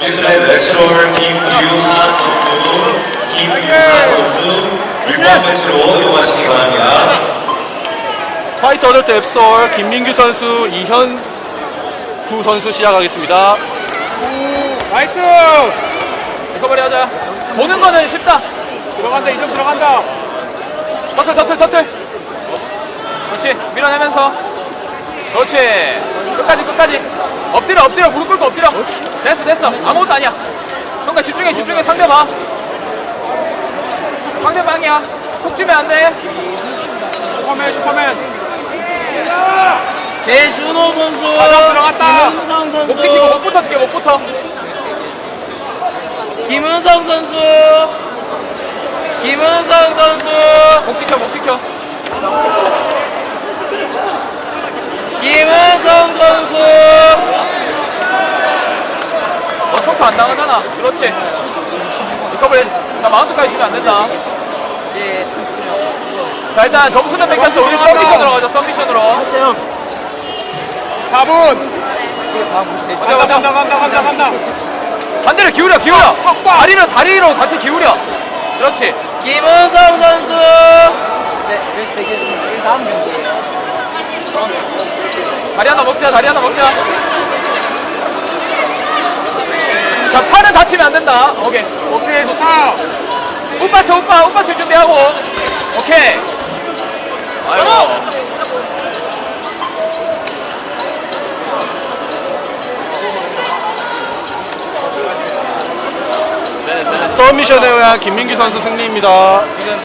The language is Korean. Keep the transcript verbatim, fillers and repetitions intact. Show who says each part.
Speaker 1: 유스의 레슬롤 김유하 선수, 김유하 선수 육 번 매치로 이용하시기 바랍니다.
Speaker 2: 파이터 어덜트 앱솔 김민규 선수, 이현구 선수 시작하겠습니다.
Speaker 3: 나이스!
Speaker 2: 리커버리 하자. 보는 거는 쉽다.
Speaker 3: 들어간다, 이점 들어간다.
Speaker 2: 터틀 터틀 터틀. 그렇지, 밀어내면서. 그렇지, 끝까지 끝까지. 엎드려 엎드려, 무릎 꿇고 엎드려. 됐어 됐어, 아무것도 아니야. 그러니까 집중해 집중해. 상대 봐, 상대방이야. 속 주면 안돼.
Speaker 3: 슈퍼맨, 슈퍼맨.
Speaker 4: 배준호 선수,
Speaker 3: 가장 들어갔다.
Speaker 4: 김은성 선수,
Speaker 2: 목 지키고 목부터 지켜, 목부터.
Speaker 4: 김은성 선수, 김은성 선수,
Speaker 2: 목 지켜 목 지켜.
Speaker 4: 김은성 선수.
Speaker 2: 너 초크 안 당하잖아. 그렇지. 리커버리. 자, 마운트까지 주면 안 된다.
Speaker 4: 네,
Speaker 2: 자, 일단 점수는 뺏겼어. 우리 서미션으로 가자. 서미션으로.
Speaker 3: 사 분.
Speaker 2: 가자
Speaker 3: 간다,
Speaker 2: 가자.
Speaker 3: 간다, 간다, 간다, 간다.
Speaker 2: 반대로 기울여 기울여. 다리를 다리로 같이 기울여. 그렇지.
Speaker 4: 김은성 선수. 네, 여기 되겠습니다. 여기 다음 경기예요.
Speaker 2: 다리 하나 먹자. 다리 하나 먹자. 자, 팔은 다치면 안 된다. 오케이.
Speaker 3: 오케이, 좋다.
Speaker 2: 오빠 쳐, 오빠 오빠 칠 준비하고. 오케이. 아이고. 서미션에 의한 김민규 선수 승리입니다.
Speaker 4: 지금